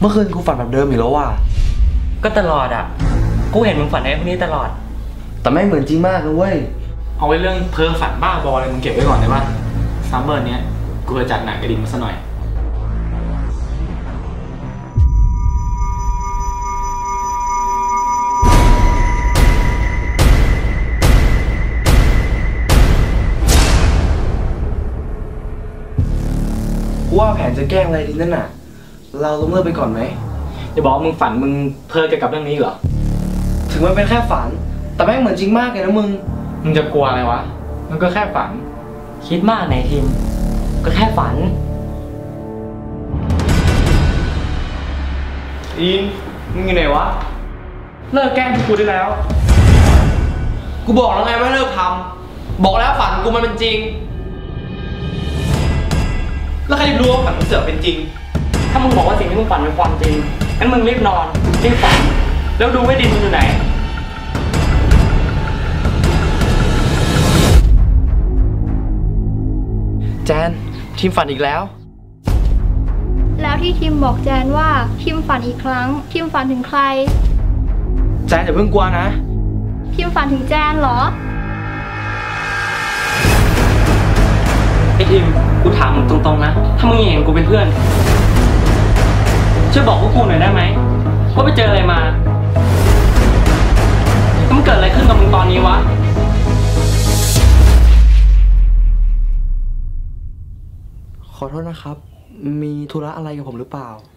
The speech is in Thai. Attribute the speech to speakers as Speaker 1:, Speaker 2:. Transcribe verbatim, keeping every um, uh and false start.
Speaker 1: มื่อคืนกูฝันแบบเดิมอีกแล้วว่ะ
Speaker 2: ก็ตลอดอ่ะกูเห็นมึงฝันไอ้พวกนี้ตลอด
Speaker 1: แต่ไม่เหมือนจริงมากเลยเว้ย
Speaker 3: เอาไว้เรื่องเพ้อฝันบ้าบออะไรมึงเก็บไว้ก่อนได้ปะซัมเมอร์เนี้ยกูจะจัดหนังกระดิ่งมาซะหน่อย
Speaker 1: ว่าแผนจะแกล้งอะไรดีนั่นน่ะเราล้มเลิกไปก่อนไหม
Speaker 3: จะบอกมึงฝันมึงเพ้อเกี่ยวกับเรื่องนี้เหรอ
Speaker 1: ถึงมันเป็นแค่ฝันแต่แม่งเหมือนจริงมากเลยนะมึง
Speaker 3: มึงจะกลัวอะไรวะมันก็แค่ฝัน
Speaker 2: คิดมากไหนทีมก็แค่ฝัน
Speaker 3: อินมึงอยู่ไหนวะเลิกแกล้งกูได้แล้ว
Speaker 1: กูบอกแล้วไงว่าเลิกทำบอกแล้วฝันกูมันเป็นจริง
Speaker 3: แล้วใครรู้ว่าฝันมันเสือกเป็นจริง
Speaker 2: ถ้ามึงบอกว่าสิ่งที่มึงฝันเป็นความจริงงั้นมึงรีบนอนรีบฝันแล้วดูว่าดินมึงอยู่ไหน
Speaker 1: แจนทีมฝันอีกแล้ว
Speaker 4: แล้วที่ทีมบอกแจนว่าทีมฝันอีกครั้งทีมฝันถึงใคร
Speaker 1: แจนอย่าเพิ่งกลัวนะ
Speaker 4: ทีมฝันถึงแจนเหรอ
Speaker 2: ไอ้ทีมกูถามมึงตรงๆนะถ้ามึงเห็นกูเป็นเพื่อนช่วยบอกพวกกูหน่อยได้ไหมว่าไปเจออะไรมาแล้วมันเกิดอะไรขึ้นกับมึงตอนนี้วะ
Speaker 1: ขอโทษนะครับมีธุระอะไรกับผมหรือเปล่า